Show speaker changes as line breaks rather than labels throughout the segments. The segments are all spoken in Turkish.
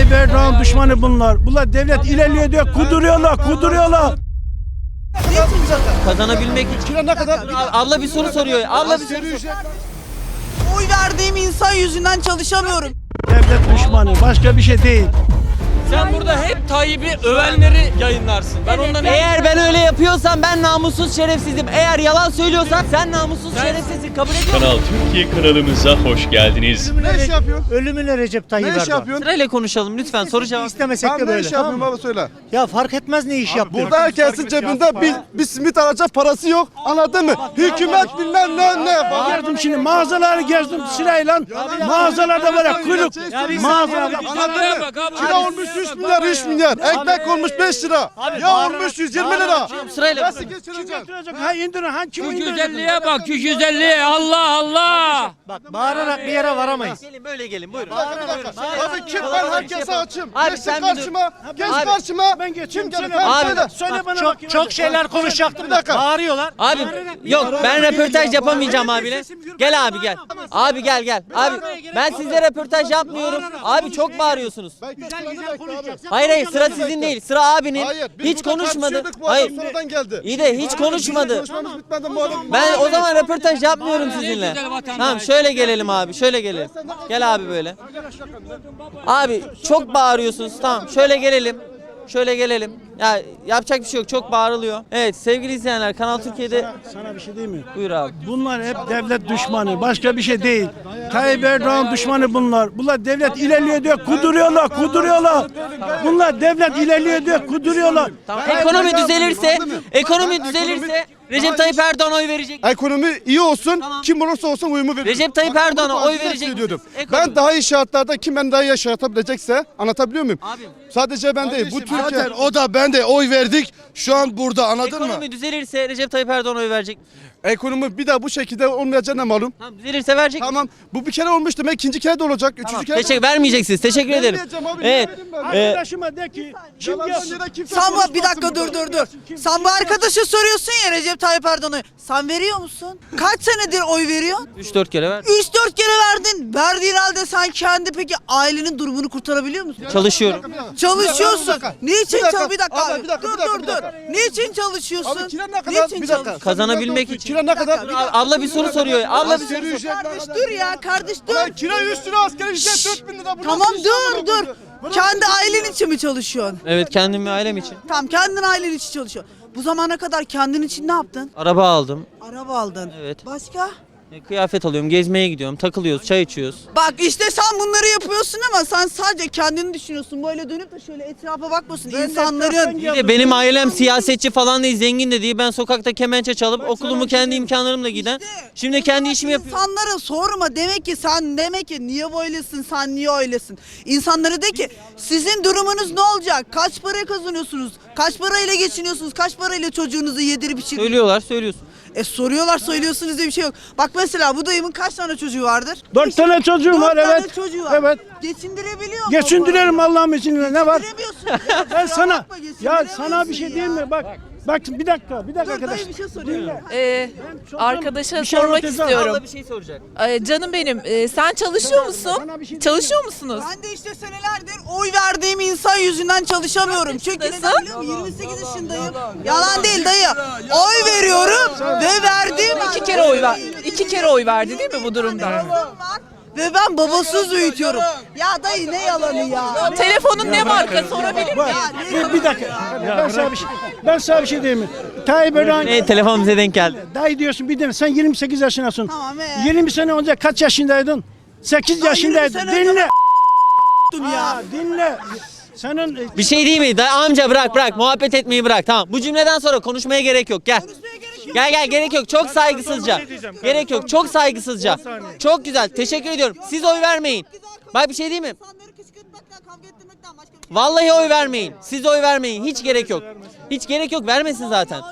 Tayyip Erdoğan düşmanı bunlar. Bunlar devlet ilerliyor diyor, kuduruyorlar.
Kazanabilmek için.
Kira ne kadar?
Abla bir soru soruyor. Abla bir soru soruyor.
Oy verdiğim insan yüzünden çalışamıyorum.
Devlet düşmanı, başka bir şey değil.
Sen burada hep Tayyip'i övenleri yayınlarsın. Ben ondan
Eğer ben öyle yapıyorsam ben namussuz şerefsizim. Eğer yalan söylüyorsan sen namussuz şerefsizsin. Kabul ediyor musun?
Kanal Türkiye kanalımıza hoş geldiniz.
Ne iş yapıyorsun?
Ölümüne Recep Tayyip
Ne iş
Erdoğan.
yapıyorsun?
Sırayla konuşalım lütfen. Soru cevap.
İstemesek
Ben
de
ne
böyle.
iş yapıyorum baba söyle.
Ya fark etmez ne iş yaptığın.
Burada herkesin cebinde bir simit alacak parası yok. Anladın mı? Hükümet bilmem ne.
Gezdim şimdi mağazaları gezdim sırayla. Mağazalarda böyle kuyruk. Mağazalarda.
Anladın mı? Kira olmuş 3 milyar, 3 milyar. Ekmek olmuş 5 lira. Ya olmuş 120 lira.
Sırayla.
Nasıl geçireceksin?
Ha indirin, ha kim
Şu
indirecek?
güzelliğe bak, şu güzelliğe. Allah.
Bak bağırarak bir yere varamayız.
Gelin böyle gelin buyurun.
Bir dakika. Abi kim ben herkese açım.
Abi
Geçsin
sen bir dur.
karşıma. Geç
Abi,
karşıma.
Ben geçeyim,
Kim
söyle.
gelir?
Abi,
Söyle.
Söyle bana
Çok,
bakayım.
çok şeyler konuşacaktım.
Bir dakika.
Bağırıyorlar.
Abi yok ben röportaj yapamayacağım abiyle. Gel abi gel. Abi gel. Abi ben sizle röportaj yapmıyorum. Abi çok bağırıyorsunuz. Hayır sıra sizin değil. Sıra abinin.
Hayır. Biz
Hiç
burada
konuşmadı.
tartışıyorduk, bu adam
Hayır.
sonradan geldi.
İyi de hiç konuşmadı.
Konuşmamız bitmedi bu adam.
Ben o zaman röportaj yapmıyorum sizinle. Tamam şöyle gelelim abi şöyle gelelim. Gel abi böyle. Abi çok bağırıyorsunuz tamam şöyle gelelim. Şöyle gelelim. Ya yapacak bir şey yok çok bağırılıyor. Evet sevgili izleyenler Kanal Türkiye'de
Sana bir şey diyeyim mi?
buyur abi.
Bunlar hep devlet düşmanı, başka bir şey değil. Tayyip Erdoğan düşmanı bunlar. Bunlar devlet ilerliyor diyor, kuduruyorlar. Bunlar devlet ilerliyor diyor, kuduruyorlar.
Tamam. Ekonomi düzelirse Recep Tayyip Erdoğan'a oy verecek.
Ekonomi iyi olsun, kim olursa olsun uyumu veririm.
Recep Tayyip
Bak,
Erdoğan'a
bunu
oy
farklı
verecek
söylüyorum.
misiniz? Ekonomi.
Ben daha iyi şartlarda kim beni daha iyi yaşatabilecekse anlatabiliyor muyum?
Abim.
Sadece ben değil, bu Türkiye.
Zaten o da ben de oy verdik. Şu an burada anladın mı?
Ekonomi düzelirse Recep Tayyip Erdoğan'a oy verecek.
Ekonomi bir daha bu şekilde olmayacağına malum.
Tamam düzelirse verecek.
Tamam, bu bir kere olmuş demek ikinci kere de olacak, üçüncü kere de
Teşekkür vermeyeceksiniz. Teşekkür ederim.
Vermeyeceğim abi,
Evet.
niye vereyim ben?
Arkadaşıma de ki, kim gelsin?
Sen bu bir dakika dur. Sen bu arkadaşa soruyorsun ya Recep Tayyip Erdoğan'a. Sen veriyor musun? Kaç senedir oy veriyorsun?
3-4 kere ver.
3-4 kere verdin. Verdiğin halde sen kendi peki ailenin durumunu kurtarabiliyor musun?
Çalışıyorum.
Çalışıyorsun. Niçin
Bir dakika.
çalış? Bir dakika
Abi,
abi.
bir dakika,
Dur
bir dakika,
dur
bir
dur.
dakika.
Niçin çalışıyorsun?
Abi kira ne kadar?
Niçin
Bir dakika.
çalışıyorsun?
Kazanabilmek için.
Kira ne kadar?
Abla bir soru soruyor. Abla bir soru
Asgari ücret ne
Kardeş
kadar?
dur ya kardeş dur.
Lan kira 100 lira, asgari ücret 4000 lira. Bu
Tamam
nasıl iş ya
dur.
bu?
Kendi ailen için mi çalışıyorsun?
Evet kendim ve ailem için.
Tamam kendin ailen için çalışıyorsun. Bu zamana kadar kendin için ne yaptın?
Araba aldım.
Araba aldın.
Evet.
Başka?
Kıyafet alıyorum. Gezmeye gidiyorum. Takılıyoruz. Çay içiyoruz.
Bak işte sen bunları yapıyorsun ama sen sadece kendini düşünüyorsun. Böyle dönüp de şöyle etrafa bakmıyorsun. İnsanların
Bir de benim ailem siyasetçi falan değil. Zengin de değil. Ben sokakta kemençe çalıp okulumu kendi imkanlarımla giden. Şimdi kendi işimi yapıyorum.
İnsanlara sorma demek ki niye böylesin sen niye öylesin. İnsanlara de ki sizin durumunuz ne olacak? Kaç para kazanıyorsunuz? Kaç parayla geçiniyorsunuz? Kaç parayla çocuğunuzu yedirip içirip?
Söylüyorlar söylüyorsun.
Soruyorlar söylüyorsunuz diye bir şey yok. Bak mesela bu dayımın kaç tane çocuğu vardır?
4 tane çocuğum var,
4 tane
evet.
çocuğu var.
Evet.
Geçindirebiliyor mu?
Geçindiririm Allah'ım izniyle, ne var?
Geçindiremiyorsun.
Ben sana,
Bakma,
ya
geçindiremiyorsun
sana bir şey
ya.
diyeyim mi? Bak bir dakika
Dur
arkadaş.
dayı bir şey soruyorum.
Arkadaşa
Bir şey
sormak
anlatacağım.
istiyorum.
Abla bir şey soracak.
Canım benim, sen çalışıyor musun?
Sana bir şey
Çalışıyor musunuz?
Ben de işte senelerdir oy verdiğim insan yüzünden çalışamıyorum. Çünkü neden
yaşındasın?
biliyor musun? 28 yaşındayım. Yalan değil dayı. Oy veriyorum ve verdiğim
İki kere oy verdi değil mi bu durumda?
ve ben babasız büyütüyorum. Ya dayı ne yalanı ya?
Telefonun ne marka sorabilir miyim?
Bir dakika. Ben sana bir şey diyeyim mi? Tayyip Erdoğan,
Telefon bize denk geldi.
dayı diyorsun bir de sen 28 yaşındasın.
Tamam,
20 sene önce kaç yaşındaydın? 8 yaşındaydın.
20 sene önce
Dinle.
Ya.
Dinle. Senin
Bir şey değil mi? Amca bırak. Muhabbet etmeyi bırak. Tamam. Bu cümleden sonra konuşmaya gerek yok. Gel. Gel gerek yok. Çok saygısızca. Gerek yok. Çok saygısızca. Çok güzel. Teşekkür ediyorum. Siz oy vermeyin. Bak bir şey değil mi?
İnsanları kışkırtmaktan, kavga ettirmekten başka bir şey.
Vallahi oy vermeyin. Siz oy vermeyin. Hiç gerek yok. Hiç gerek yok. Vermesin zaten.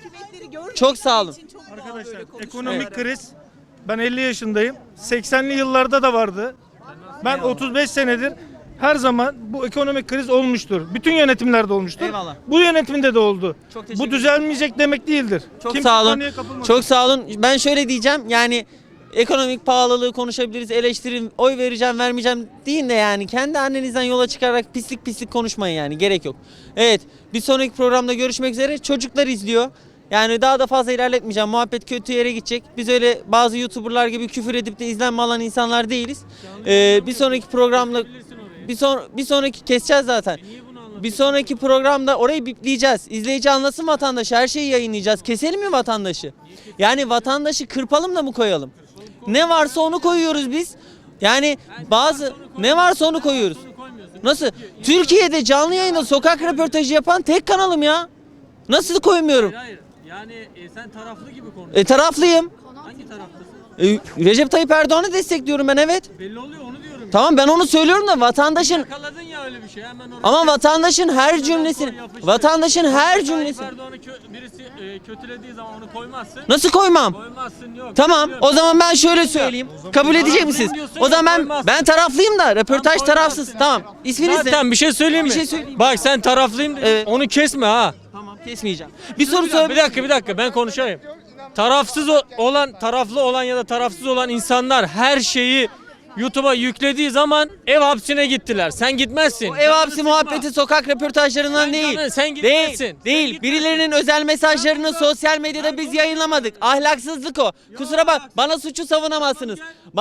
Çok sağ olun.
Arkadaşlar ekonomik kriz, ben 50 yaşındayım. 80'li yıllarda da vardı. Ben 35 senedir her zaman bu ekonomik kriz olmuştur. Bütün yönetimlerde olmuştur.
Eyvallah.
Bu yönetimde de oldu.
Çok teşekkür
Bu düzelmeyecek demek değildir.
Çok
Kimse
sağ olun.
paniğe kapılmasın.
Çok sağ olun. Ben şöyle diyeceğim. Yani ekonomik pahalılığı konuşabiliriz, eleştirin, oy vereceğim, vermeyeceğim deyin de yani kendi annenizden yola çıkarak pislik pislik konuşmayın yani, gerek yok. Evet, bir sonraki programda görüşmek üzere. Çocuklar izliyor. Yani daha da fazla ilerletmeyeceğim. Muhabbet kötü yere gidecek. Biz öyle bazı YouTuber'lar gibi küfür edip de izlenme alan insanlar değiliz. Bir sonraki programda bir sonraki keseceğiz zaten. Bir sonraki programda orayı bipleyeceğiz. İzleyici anlasın vatandaşı. Her şeyi yayınlayacağız. Keselim mi vatandaşı? Yani vatandaşı kırpalım da mı koyalım? Ne varsa onu koyuyoruz biz. Yani ne varsa onu koyuyoruz. Nasıl? Türkiye'de canlı yayında sokak röportajı yapan tek kanalım ya. Nasıl koymuyorum?
Hayır. Yani sen taraflı gibi konuşuyorsun.
Taraflıyım.
Hangi taraftasın?
Recep Tayyip Erdoğan'ı destekliyorum ben, evet.
Belli oluyor, onu diyorum.
Tamam, ben onu söylüyorum da vatandaşın
Yakaladın ya öyle bir şey. Hemen orada.
ama vatandaşın her cümlesini
Tayyip Erdoğan'ı birisi kötülediği zaman onu koymazsın.
nasıl koymam?
Koymazsın, yok.
Tamam, o zaman ben şöyle söyleyeyim. Kabul edecek misiniz? O zaman ben taraflıyım da röportaj tarafsız. Tamam. İsminiz ne?
Zaten bir şey söyleyeyim mi?
Bir şey söyleyeyim.
Bak sen taraflıyım dedin.
Evet.
Onu kesme ha.
Tamam, kesmeyeceğim. Bir soru sor.
Bir dakika ben konuşayım. Taraflı olan ya da tarafsız olan insanlar her şeyi YouTube'a yüklediği zaman ev hapsine gittiler. Sen gitmezsin.
Ev hapsi muhabbeti sokak röportajlarından değil.
Sen gitmezsin.
Değil. Birilerinin özel mesajlarını sosyal medyada biz yayınlamadık. Ahlaksızlık o. Kusura bak, bana suçu savunamazsınız.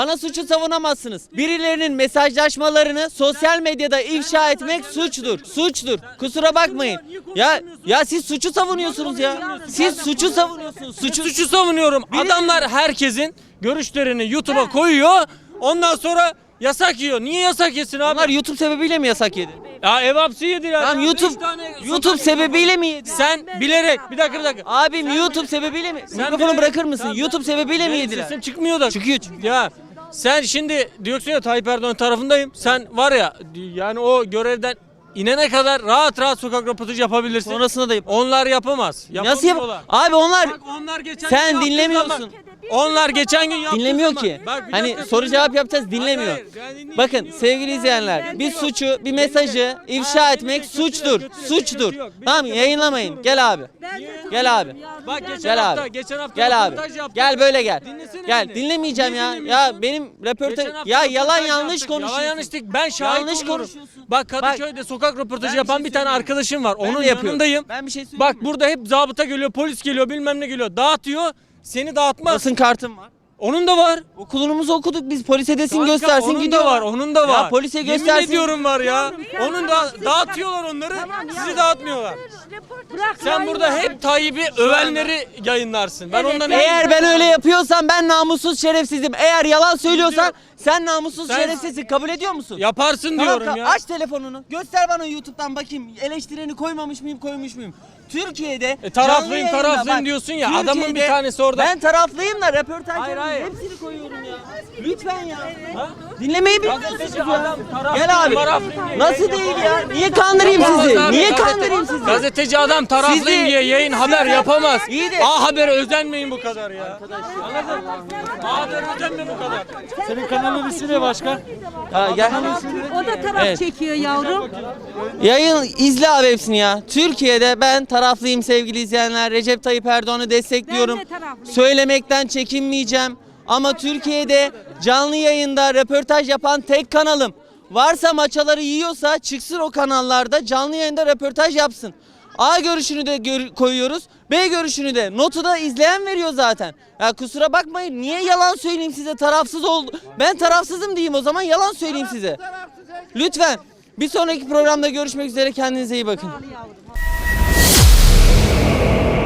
Birilerinin mesajlaşmalarını sosyal medyada ifşa etmek suçtur. Kusura bakmayın. Ya siz suçu savunuyorsunuz ya. Siz suçu savunuyorsunuz.
Suçu savunuyorum. Adamlar herkesin görüşlerini YouTube'a koyuyor. Ondan sonra yasak yiyor. Niye yasak yesin abi?
Onlar YouTube sebebiyle mi yasak yedi?
Ya ev hapsi yedi ya.
Tamam, YouTube sebebiyle mi yedi?
Sen bilerek bir dakika.
Abim YouTube sebebiyle mi? Mikrofonu bırakır mısın?
Tamam,
YouTube sebebiyle mi
Benim
yediler?
sesim çıkmıyor da.
Çıkıyor.
Ya sen şimdi diyorsun ya Tayyip Erdoğan tarafındayım. Sen var ya yani o görevden inene kadar rahat sokak röportajı yapabilirsin.
Sonrasında da yap.
Onlar yapamaz.
Nasıl yap?
Yapamıyorlar.
Abi onlar
Bak onlar geçen
sen
gün yaptığı
dinlemiyorsun.
zaman- Onlar geçen gün yaptığı
Dinlemiyor
zaman-
ki.
Bak, bir
Hani
dakika
soru cevap yapacağız, dinlemiyor.
Hayır, ben dinleyeyim,
Bakın
dinliyorum.
sevgili izleyenler, bir suçu, bir mesajı ifşa etmek suçtur. Tamam, yayınlamayın. Gel abi.
Bak geçen
Gel
hafta,
abi.
geçen hafta
Gel abi.
röportaj yaptım.
Gel böyle gel.
Dinlesene
Gel,
beni.
dinlemeyeceğim
Niye
ya.
dinlemiyorsun?
Ya benim röportaj
Geçen hafta
ya yalan
röportaj
yanlış
yaptık.
konuşuyorsun.
Yalan yanlış değil. Ben şahit
Yanlış
oluyorum.
konuşuyorsun.
Bak Kadıköy'de sokak röportajı
Ben
yapan
bir
bir
şey
tane
söyleyeyim.
arkadaşım var.
Ben
Onun
de yapıyorum.
yanındayım.
Ben bir şey söyleyeyim
Bak
mi?
burada hep zabıta geliyor, polis geliyor, bilmem ne geliyor. Dağıtıyor. Seni dağıtmaz.
Basın kartım var.
Onun da var.
Okulumuzu okuduk biz, polis edesin
Kanka,
göstersin
onun
gidiyor.
da var, onun da var.
Ya polise
Yemin
göstersin.
ediyorum var ya. Onun da dağıtıyorlar onları. Sizi dağıtmıyorlar. Sen burada hep Tayyip'i övenleri yayınlarsın. Ben ondan
Eğer ben öyle yapıyorsam ben namussuz şerefsizim. Eğer yalan söylüyorsan sen namussuz
Sen-
şerefsizsin. Kabul ediyor musun?
yaparsın
Tamam,
diyorum ya.
aç telefonunu. Göster bana YouTube'dan bakayım. Eleştireni koymamış mıyım, koymuş muyum? Türkiye'de
Taraflıyım
canlı yayında
taraflıyım
bak,
diyorsun ya.
Türkiye'de
Adamın bir tanesi orada.
Ben taraflıyım da röportajların
Hayır.
hepsini koyuyorum ya. Lütfen ya. Dinlemeyi bilmiyorsunuz
Gazeteci
ya.
adam taraflıyım,
Gel abi.
taraflıyım diye
Nasıl değil ya? Niye kandırayım sizi? Niye kandırayım sizi?
Gazeteci adam taraflıyım
Sizi-
diye yayın haber yapamaz.
İyi de-
A Haber'e özenmeyin bu kadar ya. Anladın mı? A Haber'e özenme bu kadar.
Senin kanalın ismi ne başka?
Ha, gel.
O da taraf
Evet.
çekiyor yavrum.
Yayın izle abi hepsini ya. Türkiye'de ben taraflıyım sevgili izleyenler. Recep Tayyip Erdoğan'ı destekliyorum.
Ben de taraflıyım.
Söylemekten çekinmeyeceğim. Ama Türkiye'de canlı yayında röportaj yapan tek kanalım. Varsa maçaları yiyorsa çıksın o kanallarda canlı yayında röportaj yapsın. A görüşünü de koyuyoruz. B görüşünü de. Notu da izleyen veriyor zaten. Ya kusura bakmayın. Niye yalan söyleyeyim size? Tarafsız oldu. Ben tarafsızım diyeyim o zaman, yalan söyleyeyim size. Lütfen. Bir sonraki programda görüşmek üzere. Kendinize iyi bakın.